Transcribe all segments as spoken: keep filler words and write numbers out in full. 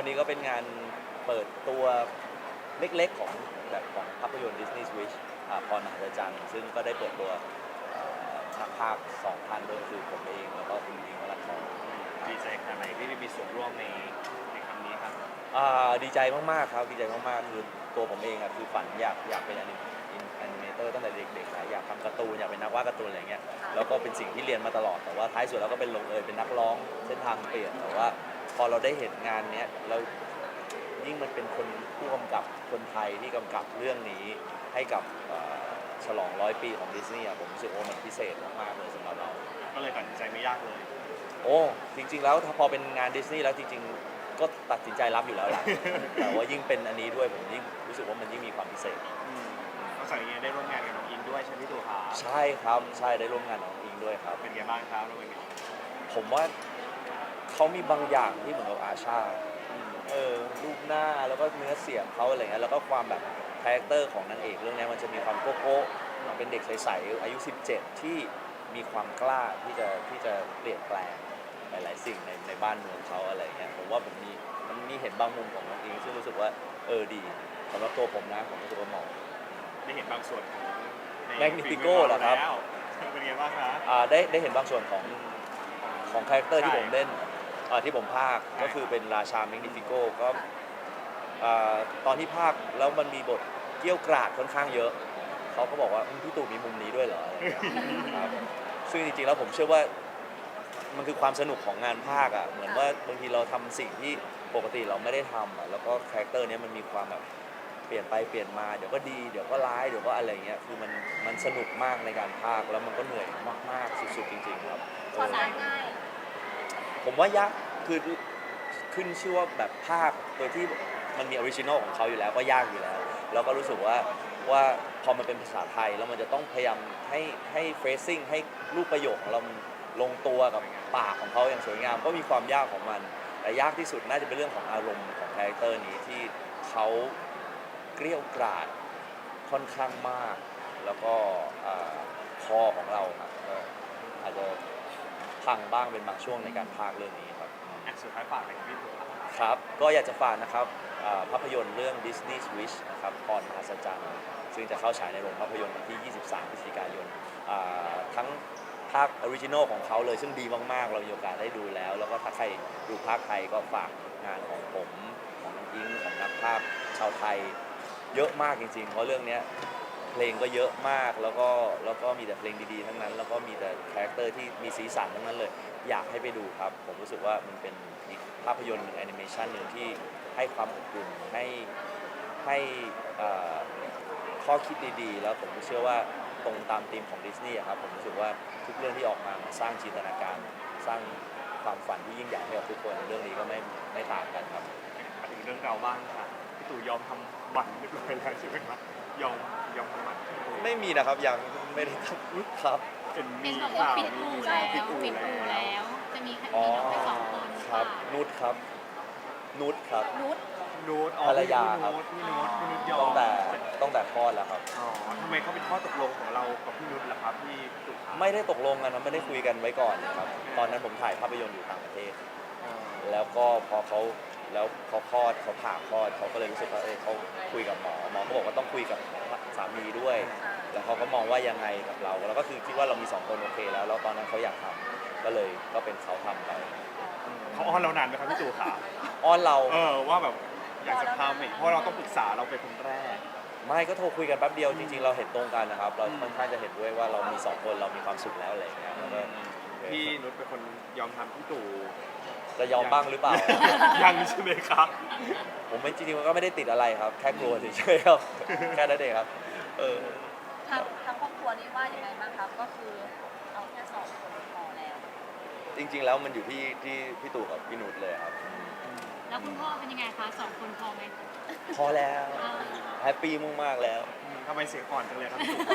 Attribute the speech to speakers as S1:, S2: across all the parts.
S1: นี้ก็เป็นงานเปิดตัวเล็กๆของแบบของภาพยนตร์ Disney Wish อ่าพรมหาจักรซึ่งก็ได้เปิดตัวเอ่อนักพากย์สองท่านด้วยคือผมเองแล้วก็คุณอิงค์วรันทร
S2: ดีใจขนาดไหนที่ได้มีส่วนร่วมในในครั้งนี้ครับ
S1: อ่าดีใจมากๆครับดีใจมากๆคือตัวผมเองอะคือฝันอยากอยากเป็นแอนิแอนิเมเตอร์ตั้งแต่เด็กๆนะอยากทำการ์ตูนอยากเป็นนักวาดการ์ตูนอะไรเงี้ยแล้วก็เป็นสิ่งที่เรียนมาตลอดแต่ว่าท้ายสุดแล้วก็เป็นลงเอยเป็นนักร้องเส้นทางเปลี่ยนแต่ว่าพอเราได้เห็นงานเนี้ยแล้วยิ่งมันเป็นคนผู้กำกับคนไทยที่กำกับเรื่องนี้ให้กับเอ่อฉลองร้อยปีของดิสนีย์ผมรู้สึกว่ามันพิเศษมากๆเลยสำหรับเรา
S2: ก็เลยตัดสินใจไม่ยากเลย
S1: โอ้จริงๆแล้วถ้าพอเป็นงานดิสนีย์แล้วจริงๆก็ตัดสินใจรับอยู่แล้วล่ะ แต่ว่ายิ่งเป็นอันนี้ด้วยผมยิ่งรู้สึกว่ามันยิ่งมีความพิเศษ
S2: นอกจากนี้ได้ร่วมงานกับน้องอินด้วยใช่ไหมพี่ตู่ครับ
S1: ใช่ครับใช่ได้ร่วมงานกับน้องอิงด้วยครับ
S2: เป็นไงบ้างครับร่วมงานกับ
S1: ผมว่าเขามีบางอย่างที่เหมือนกับอาชาเออรูปหน้าแล้วก็เนื้อเสียงเขาอะไรเงี้ยแล้วก็ความแบบคาแรคเตอร์ของนางเอกเรื่องนี้มันจะมีความโก๊ะโก๊ะเป็นเด็กใสๆอายุสิบเจ็ดที่มีความกล้าที่จะที่จะเปลี่ยนแปลงหลายๆสิ่งในในบ้านเมืองเขาอะไรเงี้ยผมว่าผมมีมันมีเห็นบางมุมของน้องอิงซึ่งรู้สึกว่าเออดีสำหรับตัวผมนะผมรู้สึกว่าเหมาะ
S2: ได้เห็นบางส่วนของ
S1: แมกนิฟิโก้เหรอครับ
S2: เป็นไงบ้างครับ
S1: อ่าได้ได้เห็นบางส่วนของของคาแรคเตอร์ที่ผมเล่นอ่าที่ผมพากย์ก็คือเป็นราชาแมกนิฟิโก้ก็อ่าตอนที่พากย์แล้วมันมีบทเกี่ยวกราดค่อนข้างเยอะเขาก็บอกว่าอืมพี่ตู่มีมุมนี้ด้วยเหรออะไรอย่างเงี้ยครับซึ่งจริงๆแล้วผมเชื่อว่ามันคือความสนุกของงานพากย์อ่ะเหมือนว่าบางทีเราทำสิ่งที่ปกติเราไม่ได้ทำอ่ะแล้วก็คาแรคเตอร์เนี้ยมันมีความแบบเปลี่ยนไปเปลี่ยนมาเดี๋ยวก็ดีเดี๋ยวก็ร้ายเดี๋ยวก็อะไรเงี้ยคือมันมันสนุกมากในการพากย์แล้วมันก็เหนื่อยมากๆสุดๆจริงๆครับ
S3: พอสายง่าย
S1: ผมว่ายากคือขึ้นชื่อว่าแบบภาคโดยที่มันมีออริจินอลของเขาอยู่แล้วก็ยากอยู่แล้วแล้วก็รู้สึกว่าว่าพอมันเป็นภาษาไทยแล้วมันจะต้องพยายามให้ให้เฟรซิ่งให้รูปประโยคของเรามันลงตัวกับปากของเขาอย่างสวยงามก็มีความยากของมันแต่ยากที่สุดน่าจะเป็นเรื่องของอารมณ์ของคาแรคเตอร์นี้ที่เขาเกรี้ยวกราดค่อนข้างมากแล้วก็คอของเราครับก็อาจจะพังบ้างเป็นบางช่วงในการพากย์เรื่องนี้ครับ
S2: สุดท้ายฝากอะไรกับพี่ตู่ครับ
S1: ครับก็อยากจะฝากนะครับภาพยนตร์เรื่อง Disney Wish นะครับพรมหัศจรรย์ซึ่งจะเข้าฉายในโรงภาพยนตร์วันที่ ยี่สิบสาม พฤศจิกายนทั้งภาคออริจินอลของเขาเลยซึ่งดีมากๆเรามีโอกาสได้ดูแล้วแล้วก็ถ้าใครดูภาคไทยก็ฝากงานของผมของน้องอิงของนักภาพชาวไทยเยอะมากจริงๆเพราะเรื่องนี้เพลงก็เยอะมากแล้วก็แล้วก็มีแต่เพลงดีๆทั้งนั้นแล้วก็มีแต่คาแรคเตอร์ที่มีสีสันทั้งนั้นเลยอยากให้ไปดูครับผมรู้สึกว่ามันเป็นอีกภาพยนตร์หนึ่งแอนิเมชันหนึ่งที่ให้ความอบอุ่นให้ให้ข้อคิดดีๆแล้วผมเชื่อว่าตรงตามธีมของดิสนีย์ครับผมรู้สึกว่าทุกเรื่องที่ออกมามันสร้างจินตนาการสร้างความฝันที่ยิ่งใหญ่ให้กับทุกคนเรื่องนี้ก็ไม่ไม่ต่างกันครับ
S2: มาถึงเรื่องเราบ้างค่ะพี่ตู่ยอมทำบัตรเรียบร้อยแล้วใช่ไหมครับยอมยอมทำบัตร
S1: ไม่มีนะครับยังไม่ได้ทำครับ
S3: เป็นบอกว่าปิดอู่แล้วปิดอู่แล้วจะมีมีน้องไปสองคน
S1: ครับนุชครับนุชครับ
S3: นุช
S2: นูต
S1: ภรรยาครับ
S2: พี่นุชพี่นุชยอม
S1: ตั้งแต่ตั้งแต่คลอดแล้วครับ
S2: อ๋อทำไมเขาเป็นข้อตกลงของเรากับพี่นุชล่ะครับพี่ตู่
S1: ไม่ได้ตกลงกันนะไม่ได้คุยกันไว้ก่อนนะครับตอนนั้นผมถ่ายภาพยนตร์อยู่ต่างประเทศแล้วก็พอเขาแล้วเขาคลอดเขาผ่าคลอดเขาก็เลยรู้สึกว่าเออเขาคุยกับหมอหมอก็บอกว่าต้องคุยกับสามีด้วยแล้วเขาก็มองว่ายังไงกับเราแล้วก็คือคิดว่าเรามีสองคนโอเคแล้วแล้วตอนนั้นเขาอยากทำก็เลยก็เป็นเขาทำไป
S2: เขาอ้อนเรานานไหมครับพี่ตู่ขา
S1: อ้อนเรา
S2: เออว่าแบบอยากจะทำเพราะเราต้องปรึกษาเราเป็นคนแรก
S1: ไม่ก็โทรคุยกันแป๊บเดียวจริงๆเราเห็นตรงกันนะครับเราค่อนข้างจะเห็นด้วยว่าเรามีสองคนเรามีความสุขแล้วอะไรอย่างเงี้ยแล้วก็
S2: พี่นุชเป็นคนยอมทำพี่ตู่
S1: จะยอมบ้างหรือเปล่า
S2: ยังใช่ไหมครับ
S1: ผมไม่จริงๆมันก็ไม่ได้ติดอะไรครับแค่กลัวเฉยๆครับแค่นั้นเองครับเออ
S3: ทั้งทั้งครอบครัวนี้ว่าอย่างไรบ้างครับก็คือเอาแค่สองคนพอแล้ว
S1: จริงๆแล้วมันอยู่ที่ที่พี่ตู่กับพี่นุชเลยครับ
S3: แล้วคุณพ่อเป็นยังไงคะสองคนพอไหม
S1: พอแล้วแฮปปี้มากๆแล้ว
S2: ทำไมเสียงอ่อนจังเลยครับพี่ตู่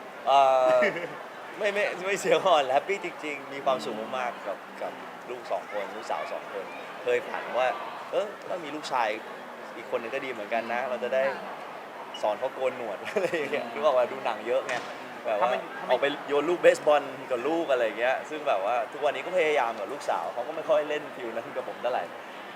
S1: ไม่ไม่ไม่เสียอ่อนแฮปปี้จริงๆมีความสุขมากๆกับกับลูกสองคนลูกสาวสองคนเคยฝันว่าเออถ้ามีลูกชายอีกคนนึงก็ดีเหมือนกันนะเราจะได้สอนเขาโกนหนวดอะไรอย่างเงี้ยรู้ว่าดูหนังเยอะไงแบบว่าออกไปโยนลูกเบสบอลกับลูกอะไรอย่างเงี้ยซึ่งแบบว่าทุกวันนี้ก็พยายามกับลูกสาวเขาก็ไม่ค่อยเล่นฟิวนั้นกับผมเท่าไหร่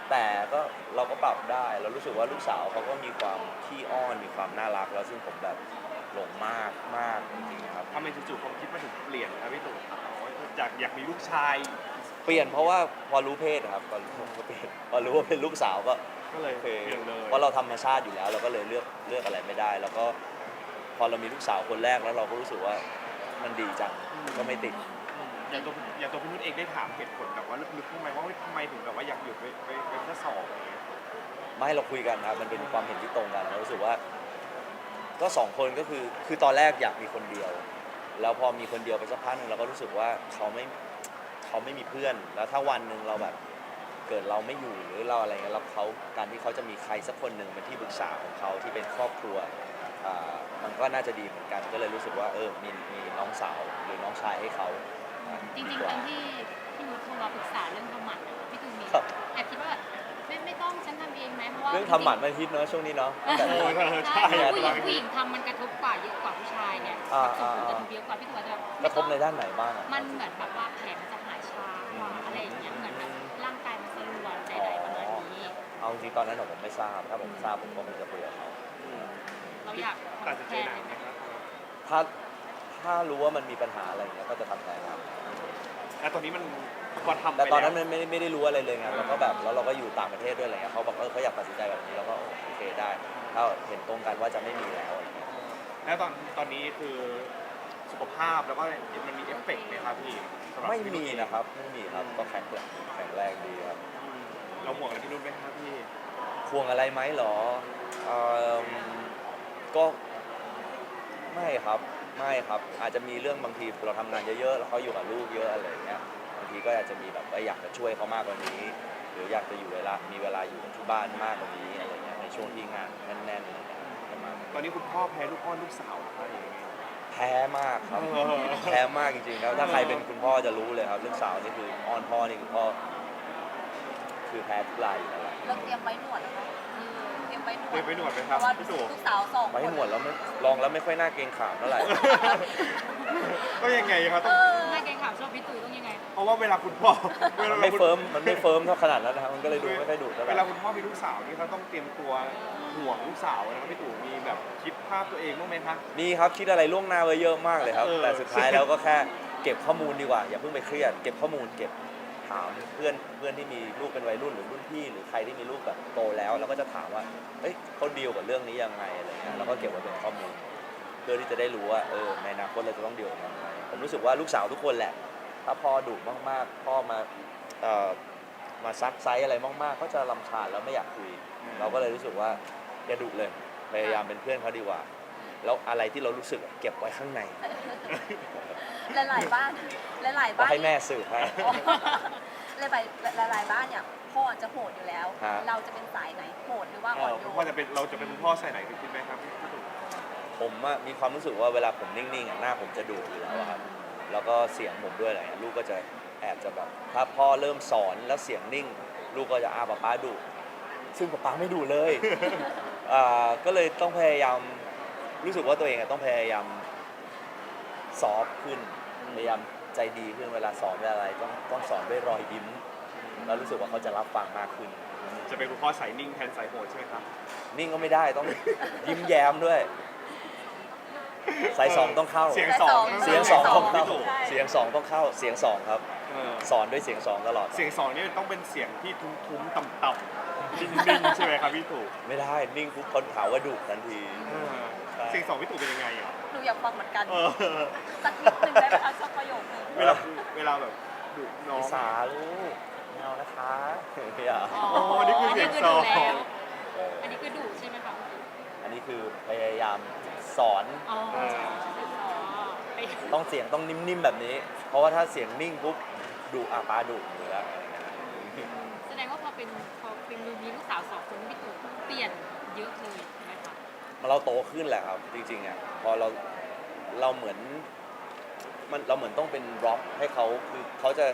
S1: แต่ก็เราก็ปรับได้เรารู้สึกว่าลูกสาวเขาก็มีความขี้อ้อนมีความน่ารักแล้วซึ่งผมแบบหลงมากมากจริงๆครับ
S2: ทำไมจู่ๆความคิดมาถึงเปลี่ยนครับพี่ตู่ครับอยากอยากมีลูกชาย
S1: เปลี่ยนเพราะว่าพอรู้เพศครับพอรู้พอเปลี่ยนพอรู้ว่าเป็นลูกสาวก็
S2: ก็เลย
S1: โอ
S2: เป
S1: เค
S2: ลี่ยนเลย
S1: เพราะเราธรรมชาติอยู่แล้วเราก็เลยเลือกเลือกอะไรไม่ได้ แล้วก็พอเรามีลูกสาวคนแรกแล้วเราก็รู้สึกว่ามันดีจังก็ไม่ติด
S2: อย่างตัวอย่างตัวพี่นุชเองได้ถามเหตุผลแบบว่าลึกๆทำไมว่าทำไมถึงแบบว่าอยากหยุดไปไปไปแค่สองอะไรเงี้ย
S1: ไม่เราคุยกันครับมันเป็นความเห็นที่ตรงกันเรารู้สึกว่า ก็สองคนก็คือคือตอนแรกอยากมีคนเดียว แล้วพอมีคนเดียวไปสักพักหนึ่งเราก็รู้สึกว่าเขาไม่เขาไม่มีเพื่อน แล้วถ้าวันหนึ่งเราแบบเกิดเราไม่อยู่หรือเราอะไรเงี้ยแล้วเขาการที่เขาจะมีใครสักคนหนึ่งเป็นที่ปรึกษาของเขาที่เป็นครอบครัวอ่ามันก็น่าจะดีเหมือนกันก็เลยรู้สึกว่าเออมีมีน้องสาวหรือน้องชายให้เขาอ่า
S4: จริง
S1: ดี
S4: ๆ
S1: ก
S4: ต
S1: ว่า
S4: อนที่พี่นุชโทรมาปรึกษาเรื่องทำหมันอะพี่ตูนมี
S1: ครับ
S4: แอบคิดว่าแบบไม่ไม่ต้องฉันทำเองไหมเพราะว่า
S1: เรื่องทำหมันมันฮิตเนอะช่วงนี้เนาะ
S4: จริงๆ
S1: แต่
S2: โอ้ย
S4: ใช่
S2: ใช่
S4: เพราะผู้หญิงผู้หญิงทำมันกระทบกว่าเยอะกว่าผู้ชายเนี่ย
S1: อ่า
S4: ส่งผล
S1: อ่า
S4: กระทบเยอะกว่าพี่ตูนอาจจะแบบ
S1: กระทบในด้านไหนบ้างอะ
S4: มันเหมือนแบบว่าแผลมันจะหายช้ากว่าอะไรอย่างเงี้ยเหมือนแบบร่างกายมันสลวนใดๆประมาณนี้
S1: เอาจริงๆตอนนั้นผมไม่ทราบถ้าผมทราบผมก็คงจะคุยกับเขา
S4: เราอยาก
S2: ตัดสิน
S4: ทำ
S2: ใจ
S4: แค่
S2: นานไหมครับ
S1: ถ้าถ้ารู้ว่ามันมีปัญหาอะไรอย่างเงี้ยก็จะทำแทนครับ
S2: แล้วตอนนี้มันพอทำไป
S1: แต่ตอนนั้น
S2: ล้ว
S1: มันไม่ได้ไม่ได้รู้อะไรเลยไงแล้วก็แบบแล้วเราก็อยู่ต่างประเทศด้วยอะไรเงี้ยเขาบอกเออเขาอยากตัดสินใจแบบนี้เราก็โอเคได้ถ้าเห็นตรงกันว่าจะไม่มีแล้วอะไรเงี้ย
S2: แล้วตอนตอนนี้คือสุขภาพแล้วก็มันมีเอฟเฟกต์ไหมครับพี่สำหรับ
S1: ไม่
S2: พี่นุช
S1: มี
S2: เอง
S1: นะครับไม่มีครับก็แข็งแรงแข็งแรงดีครับ
S2: อืมเราห่วงอะไรพี่นุชไหมครับพี่
S1: ห่วงอะไรไหมเหรอเอิ่มก็ไม่ครับไม่ครับอาจจะมีเรื่องบางทีเราทำงานเยอะๆแล้วเขาอยู่กับลูกเยอะอะไรอย่างเงี้ยบางทีก็อาจจะมีแบบว่าอยากจะช่วยเขามากกว่านี้ หรืออยากจะอยู่เวลามีเวลาอยู่กับที่บ้านมากกว่านี้อะไรเงี้ยในช่วงที่งานแน่นๆอะไรเงี้ยประมาณนั้น
S2: ตอนนี้คุณพ่อแพ้ลูกอ้อนลูกสาวเหรอครับหรือยังไง
S1: แพ้มากครับ
S2: เออ
S1: แพ้มากจริงๆครับถ้าใครเป็นคุณพ่อจะรู้เลยครับลูกสาวนี่คืออ้อนพ่อนี่คือพ่อคือแพ้ทุกรายอยู่แล้วแหละ
S3: เราเตรียมไว้หนวดนะคะเตรียมไว้หนวด
S2: เตรียมไว้หนวดไหมค
S3: เพ
S2: รับ
S3: ราะว่า
S2: พี่ตู่
S3: ลูกสาวสองคน
S1: ไว้หนวดแล้วไม่ลองแล้วไม่ค่อยน่าเกรงขามเท่าไหร่
S2: ก็ยังไงครับ
S3: เอ
S2: ต้อง
S3: อ
S4: หน้าเกรงขามชอบพี่ตูนต้องยังไง
S2: เพราะว่าเวลาคุณพ่อเว
S1: มั
S2: ลาน
S1: ไม่
S2: คุณ
S1: เฟิร์มมันไม่เฟิร์มเท่าขนาดนั้นนะครับมันก็เลยดูไม่ค่อยดุเท่าไห
S2: เว
S1: ร่
S2: ลาคุณพ่อมีลูกสาวนี่เขาต้องเตรียมตัวห่วงลูกสาวนะครับพี่ตู่มีแบบคิดภาพตัวเองบ้างไหมคะ
S1: มีครับคิดอะไรล่วงหน้าไว้เยอะมากเลยครับ
S2: เออ
S1: แต่สุดท้ายแล้วก็แค่เก็บข้อมูลดีกว่าอย่าเพิ่งไปเครียดเก็บข้อมูลเก็บถามเพื่อนเพื่อนที่มีลูกเป็นวัยรุ่นหรือรุ่นพี่หรือใครที่มีลูกแบบโตแล้วแล้วก็จะถามว่าเอ้ยเขาดีลกับเรื่องนี้ยังไงอะไรเงี้ยแล้วก็เก็บไว้เป็นข้อมูล เพื่อที่จะได้รู้ว่าเออในอนาคตเราจะต้องดีลกับมันยังไงผมรู้สึกว่าลูกสาวทุกคนแหละ ถ้าพ่อดุมากๆพ่อมาเอ่อมาซักไซส์อะไรมากๆก็จะรำคาญแล้วไม่อยากคุย เราก็เลยรู้สึกว่าอย่าดุเลยพยายามเป็นเพื่อนเขาดีกว่า แล้วอะไรที่เรารู้สึกเก็บไว้ข้างใน
S3: หลายๆบ้านหลายๆ
S1: ก็
S3: บ้าน
S1: ให้แม่สืบให้
S3: อ๋อหลายๆหลายๆบ้านเนี่ยพ่อจะโหดอยู่แล้ว
S1: ฮะ
S3: เราจะเป็นสายไหนโหดหรือว่า
S2: เอ
S3: อ่อน
S2: อ
S3: โย
S2: คุณพ่อน จะเป็นเราจะเป็นคุณพ่อใส่ไหนคิดไหมครับพี่ตู่
S1: ผมอะมีความรู้สึกว่าเวลาผมนิ่งๆอะหน้าผมจะดุอยู่แล้วอะครับ แล้วก็เสียงผมด้วยอะไรเงี้ยลูกก็จะแอบจะแบบถ้าพ่อเริ่มสอนแล้วเสียงนิ่ง ลูกก็จะอาป๊าป๊าดุซึ่งป๊าป๊าไม่ดุเลย อ่าก็เลยต้องพยายามรู้สึกว่าตัวเองอะต้องพยายามซอฟต์ขึ้นพยายามใจดีขึ้นเวลาสอนเวลาอะไรต้องต้องสอนด้วยรอยยิ้มแล้วรู้สึกว่าเขาจะรับฟังมากขึ้น
S2: จะเป็นคุณพ่อสายนิ่งแทนสายโหดใช่ไหมครับ
S1: นิ่งก็ไม่ได้ต้อง ยิ้มแย้มด้วยสายสองต้องเข้า
S2: เสียงสอง
S1: เสียงสองต้องเข้า
S2: พี่ตู่
S1: เสียงสองต้องเข้าเสียงสองครับ
S2: เออ
S1: สอนด้วยเสียงสองตลอด
S2: เสียงสองนี่ต้องเป็นเสียงที่ทุ้มๆต่ำๆนิ่งๆใช่ไหมครับพี่ตู่
S1: ไม่ได้นิ่งปุ๊บคนถามว่าดุทันที
S2: เออเสียงสองพี่ตู่เป็นยังไงอ่ะ
S3: หนูอยากฟังเหมือนกัน
S2: เออ
S3: สักนิดนึงได้ไหมคะสักประโยคนึง
S2: เวลาเวลาแบบดุน้อง
S1: พิสาลูกไม่เอานะคะไม่เอา
S4: อ๋อ
S2: โอ้นี่คือเสียงสอง
S4: นนี้คือดุแล้ว
S1: เออ
S4: อันนี้คือดุใช่ไหมคะ
S1: อันนี้คือพยายามสอน
S4: อ๋อ
S2: เออ
S4: อ๋อไป
S1: ต้องเสียงต้องนิ่มๆแบบนี้ เพราะว่าถ้าเสียงนิ่งปุ๊บดุอาปาดุอยู่แล้วอะไรเงี้ย
S4: แสดงว่าพอเป็นพอเป็นมีลูกสาวสองคนพี่ตู่เปลี่ยนเยอะเลยใช่ไหมคะ
S1: เราโตขึ้นแหละครับจริงๆอ่ะพอเราเราเหมือนมันเราเหมือนต้องเป็นร็อกให้เขาคือเขาจะ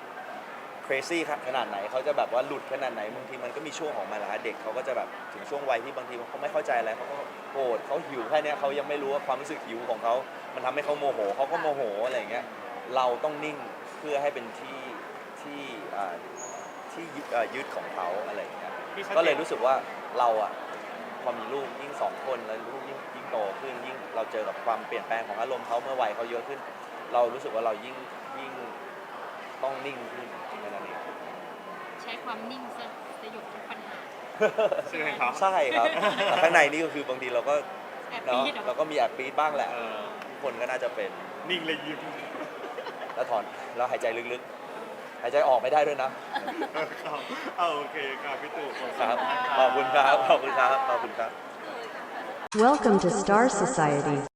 S1: crazy ขนาดไหนเขาจะแบบว่าหลุดขนาดไหนบางทีมันก็มีช่วงของมันแหละฮะเด็กเขาก็จะแบบถึงช่วงวัยที่บางทีเขาไม่เข้าใจอะไรเขาก็โกรธเขาหิวแค่เนี้ยเขายังไม่รู้ว่าความรู้สึกหิวของเขามันทำให้เขาโมโหเขาก็โมโหอะไรอย่างเงี้ยเราต้องนิ่งเพื่อให้เป็นที่ที่อ่าทที่ยึดเอ่อยึดของเขาอะไรอย่างเงี้ย
S2: พี่ชัดจน
S1: ก็เลยรู้สึกว่าเราอะพอมีลูกยิ่งสองคนแล้วลูกยิ่งยิ่งโตขึ้นยิ่งเราเจอกับความเปลี่ยนแปลงของอารมณ์เขาเมื่อวัยเขาเยอะขึ้น เรารู้สึกว่าเรายิ่งยิ่งต้องนิ่งขึ้นแค่นั้นเอง
S4: ใช้ความนิ่งสสยบทุกปัญหา
S2: ใช่ไหมครับ
S1: ใช่ครับแต่ข้างในนี่ก็คือบางทีเราก็
S4: แอบ
S1: เนาะ
S4: ปี๊ดเหรอ
S1: เราก็มีแอบปี๊ดบ้างแหละ
S2: เออ
S1: ทุกคนก็น่าจะเป็น
S2: นิ่งเลยยิ้ม
S1: แล้วถอนแล้วหายใจลึกๆ หายใจออกไม่ได้ด้วยนะ
S2: ครับเอาโอเคครับพี่ตู่
S1: ครับขอบคุณครับขอบคุณครับขอบคุณครับ
S5: Welcome to Star Society.